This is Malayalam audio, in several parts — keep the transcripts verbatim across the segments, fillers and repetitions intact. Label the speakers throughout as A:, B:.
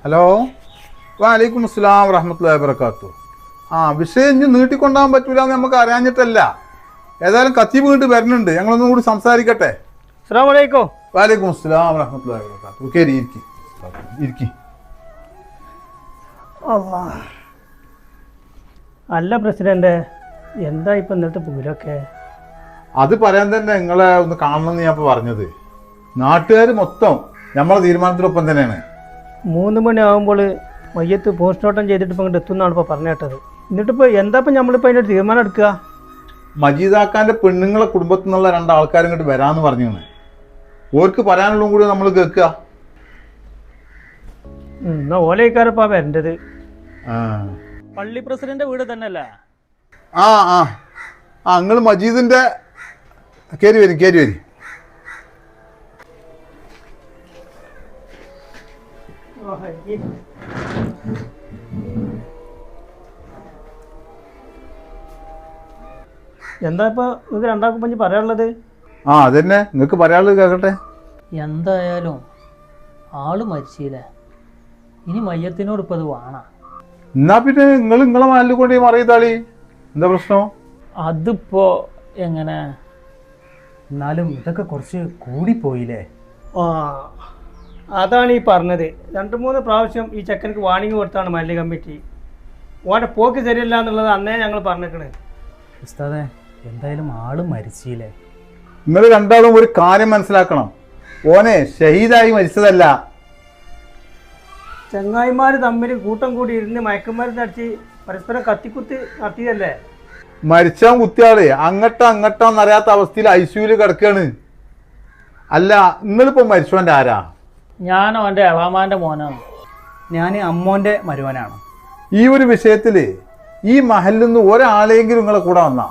A: ഹലോ, വലൈക്കും അസ്സലാം വറഹ്മത്തുള്ളാഹി വബറകാതുഹു. ആ വിഷയം ഇനി നീട്ടിക്കൊണ്ടാൻ പറ്റൂല എന്ന് നമുക്ക് അറിയാഞ്ഞിട്ടല്ല. ഏതായാലും ഖത്തീബ് വീണ്ടും വരുന്നുണ്ട്, ഞങ്ങളൊന്നും കൂടി സംസാരിക്കട്ടെ.
B: അസ്സലാമു അലൈക്കും.
A: വലൈക്കും അസ്സലാം വറഹ്മത്തുള്ളാഹി വബറകാതുഹു. കേറി ഇരിക്കി ഇരിക്കി.
B: അല്ല പ്രസിഡന്റ്, എന്താ ഇപ്പം ഇന്നത്തെ പൂരൊക്കെ?
A: അത് പറയാൻ തന്നെ നിങ്ങളെ ഒന്ന് കാണണമെന്ന് ഞാൻ ഇപ്പോൾ പറഞ്ഞത്. നാട്ടുകാർ മൊത്തം നമ്മളെ തീരുമാനത്തിനൊപ്പം തന്നെയാണ്.
B: മൂന്ന് മണി ആകുമ്പോൾ മയ്യത്ത് പോസ്റ്റ്മോർട്ടം ചെയ്തിട്ട് ഇപ്പം ഇങ്ങോട്ട് എത്തുന്നാണ് ഇപ്പോൾ പറഞ്ഞു കേട്ടത്. എന്നിട്ടിപ്പോൾ എന്താ ഇപ്പം നമ്മളിപ്പോൾ അതിൻ്റെ തീരുമാനം എടുക്കുക?
A: മജീദാക്കാൻ്റെ പെണ്ണുങ്ങളെ കുടുംബത്തിൽ നിന്നുള്ള രണ്ടാൾക്കാരും ഇങ്ങോട്ട് വരാമെന്ന് പറഞ്ഞാണ്. ഓർക്ക് പറയാനുള്ളതും കൂടി നമ്മൾ കേൾക്കുക.
B: എന്നാ ഓലയിക്കാരപ്പാ വരേണ്ടത്.
A: ആ
B: പള്ളി പ്രസിഡന്റ് വീട് തന്നെയല്ലേ?
A: ആ ആ ആ നിങ്ങൾ മജീദിൻ്റെ കയറി വരും കയറി വരും.
B: എന്താ ഇപ്പൊ നിങ്ങൾക്ക് രണ്ടാൾക്കും പഞ്ച് പറയാനുള്ളത്?
A: ആ അതന്നെ നിങ്ങൾക്ക് പറയാനുള്ളത് കേൾക്കട്ടെ.
C: എന്തായാലും ആള് മരിച്ചില്ലേ, ഇനി മയ്യത്തിനോട് ഇപ്പം അത് വേണം.
A: എന്നാ പിന്നെ നിങ്ങൾ നിങ്ങളെ മാലിൽ കൊണ്ട് മറിയതാളി, എന്താ പ്രശ്നം?
C: അതിപ്പോ എങ്ങനെ?
D: എന്നാലും ഇതൊക്കെ കുറച്ച് കൂടിപ്പോയില്ലേ?
B: ആ അതാണ് ഈ പറഞ്ഞത്. രണ്ട് മൂന്ന് പ്രാവശ്യം ഈ ചെക്കനക്ക് വാണിംഗ് കൊടുത്താണ് മല്ലിക കമ്മിറ്റി. ഓൻ്റെ പോക്ക് ശരിയല്ല എന്നുള്ളത് അന്നേ ഞങ്ങൾ പറഞ്ഞേക്കണേ.
D: ഉസ്താദേ, എന്തായാലും ആള് മരിച്ചില്ലേ?
A: നിങ്ങൾ രണ്ടാളും ഒരു കാര്യം മനസ്സിലാക്കണം, ഓനെ ഷഹീദായി മരിച്ചതല്ല.
B: ചങ്ങായിമാർ തമ്മിൽ കൂട്ടം കൂടി ഇരുന്ന് മയക്കുമരുന്ന് അടിച്ച് പരസ്പരം കത്തിക്കുത്തി നടത്തിയതല്ലേ?
A: മരിച്ചാൻ കുത്തിയാള് അങ്ങട്ടോ അങ്ങോട്ടോന്ന് അറിയാത്ത അവസ്ഥയിൽ ഐ സിയുല് കിടക്കാണ്. അല്ല നിങ്ങളിപ്പോ മരിച്ചോൻ്റെ ആരാ?
C: ഞാനോ എൻ്റെ എളാമാൻ്റെ മോനാണ്.
D: ഞാൻ അമ്മോൻ്റെ മരുവനാണ്.
A: ഈ ഒരു വിഷയത്തില് ഈ മഹലിൽ നിന്ന് ഒരാളെങ്കിലും നിങ്ങളെ കൂടെ വന്നാ?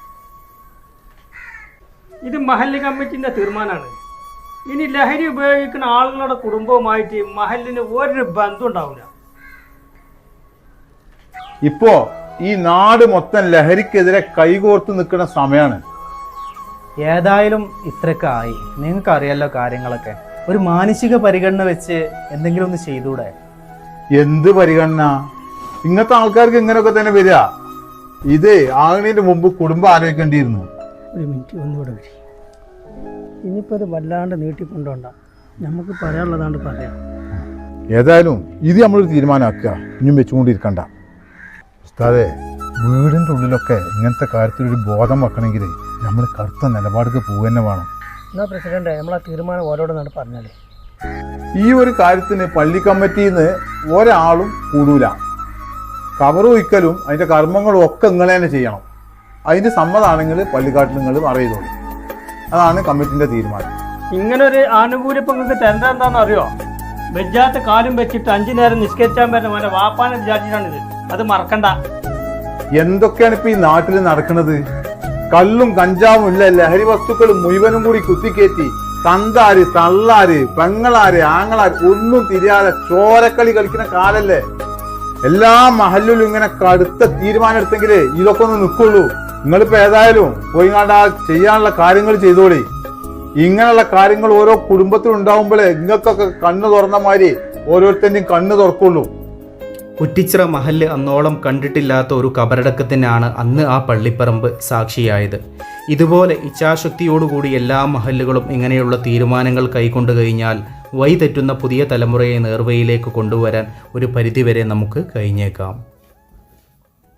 B: ഇത് മഹല്ല് കമ്മിറ്റിൻ്റെ തീരുമാനമാണ്. ഇനി ലഹരി ഉപയോഗിക്കുന്ന ആളുകളുടെ കുടുംബവുമായിട്ട് മഹലിന് ഒരു ബന്ധം ഉണ്ടാവില്ല.
A: ഇപ്പോ ഈ നാട് മൊത്തം ലഹരിക്കെതിരെ കൈകോർത്ത് നിൽക്കുന്ന സമയമാണ്.
D: ഏതായാലും ഇത്രയൊക്കെ ആയി, നിങ്ങൾക്ക് അറിയാലോ കാര്യങ്ങളൊക്കെ. ഒരു മാനസിക പരിഗണന വെച്ച് എന്തെങ്കിലും ഒന്ന് ചെയ്തൂടെ?
A: എന്ത് പരിഗണന? ഇങ്ങനത്തെ ആൾക്കാർക്ക് ഇങ്ങനെയൊക്കെ തന്നെ വരിക. ഇത് ആകുന്നതിന് മുമ്പ് കുടുംബം ആലോചിക്കേണ്ടിയിരുന്നു.
B: ഒരു മിനിറ്റ് ഒന്നുകൂടെ വരി. ഇനിയിപ്പോൾ ഇത് വല്ലാണ്ട് നീട്ടിക്കൊണ്ടോണ്ട, നമുക്ക് പറയാനുള്ളതാണ്ട് പറയാം.
A: ഏതായാലും ഇത് നമ്മളൊരു തീരുമാനമാക്കുക, ഇനിയും വെച്ചുകൊണ്ടിരിക്കണ്ട. ഉസ്താദേ, വീടിൻ്റെ ഉള്ളിലൊക്കെ ഇങ്ങനത്തെ കാര്യത്തിലൊരു ബോധം വെക്കണമെങ്കിൽ നമ്മൾ കറുത്ത നിലപാടുക്ക് പോകുക തന്നെ വേണം.
B: എന്നാ പ്രസിഡന്റ്, നമ്മൾ ആ തീരുമാനം ഓരോടെന്നാണ് പറഞ്ഞാലേ.
A: ഈ ഒരു കാര്യത്തിന് പള്ളി കമ്മിറ്റിയിൽ നിന്ന് ഒരാളും കൂടൂല. കവറ് വയ്ക്കലും അതിൻ്റെ കർമ്മങ്ങളും ഒക്കെ നിങ്ങൾ തന്നെ ചെയ്യണം. അതിന് സമ്മതമാണെങ്കിൽ പള്ളിക്കാട്ടിൽ നിങ്ങൾ അറിയതോളൂ. അതാണ് കമ്മിറ്റിൻ്റെ തീരുമാനം.
B: ഇങ്ങനൊരു ആനുകൂല്യം ഇപ്പം നിങ്ങൾക്ക് തരണ്ട എന്താണെന്ന് അറിയോ? വെജാത്ത കാലും വെച്ചിട്ട് അഞ്ചു നേരം നിസ്കരിച്ചാൻ പറ്റുന്ന മോനെ വാപ്പാനെ വിചാരിച്ചിട്ടാണിത്. അത് മറക്കണ്ട.
A: എന്തൊക്കെയാണ് ഇപ്പൊ ഈ നാട്ടിൽ നടക്കുന്നത്? കള്ളും കഞ്ചാവും ഇല്ല, ലഹരി വസ്തുക്കളും മുഴുവനും കൂടി കുത്തിക്കയറ്റി തന്താര് തള്ളാര് പെങ്ങളാര് ആങ്ങളാര് ഒന്നും തിരിയാതെ ചോരക്കളി കളിക്കുന്ന കാലല്ലേ. എല്ലാ മഹലിലും ഇങ്ങനെ കടുത്ത തീരുമാനം എടുത്തെങ്കിലേ ഇതൊക്കെ ഒന്ന് നിൽക്കുള്ളൂ. നിങ്ങളിപ്പോ ഏതായാലും പോയി കണ്ട ചെയ്യാനുള്ള കാര്യങ്ങൾ ചെയ്തോളി. ഇങ്ങനെയുള്ള കാര്യങ്ങൾ ഓരോ കുടുംബത്തിലും ഉണ്ടാവുമ്പോഴേ നിങ്ങൾക്കൊക്കെ കണ്ണ് തുറന്ന മാതിരി ഓരോരുത്തരുടെയും കണ്ണ് തുറക്കുള്ളൂ.
E: കുറ്റിച്ചിറ മഹല്ല് അന്നോളം കണ്ടിട്ടില്ലാത്ത ഒരു കബറടക്കത്തിനാണ് അന്ന് ആ പള്ളിപ്പറമ്പ് സാക്ഷിയായത്. ഇതുപോലെ ഇച്ഛാശക്തിയോടുകൂടി എല്ലാ മഹല്ലുകളും ഇങ്ങനെയുള്ള തീരുമാനങ്ങൾ കൈക്കൊണ്ടു കഴിഞ്ഞാൽ വഴിതെറ്റുന്ന പുതിയ തലമുറയെ നേർവഴിയിലേക്ക് കൊണ്ടുവരാൻ ഒരു പരിധിവരെ നമുക്ക് കഴിഞ്ഞേക്കാം.